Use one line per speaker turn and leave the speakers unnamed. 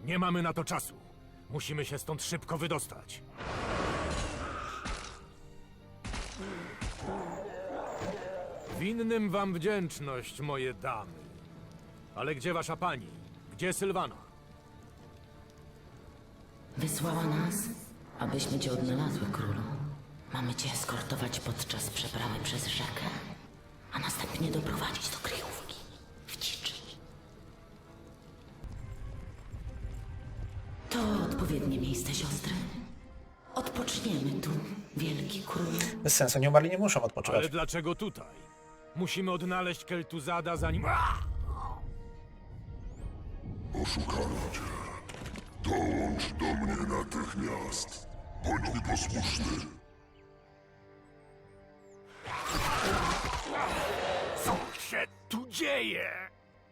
Nie mamy na to czasu. Musimy się stąd szybko wydostać. Winnym wam wdzięczność, moje damy. Ale gdzie wasza pani? Gdzie Sylwana?
Wysłała nas, abyśmy cię odnalazły, królu. Mamy cię eskortować podczas przeprawy przez rzekę, a następnie doprowadzić do kryjówki w dziczy. To odpowiednie miejsce, siostry. Odpoczniemy tu, wielki królu.
Bez sensu, nieumarli nie muszą odpoczywać.
Ale dlaczego tutaj? Musimy odnaleźć Keltuzada zanim...
Oszukano cię. Dołącz do mnie natychmiast. Bądź mi posłuszny.
Co się tu dzieje?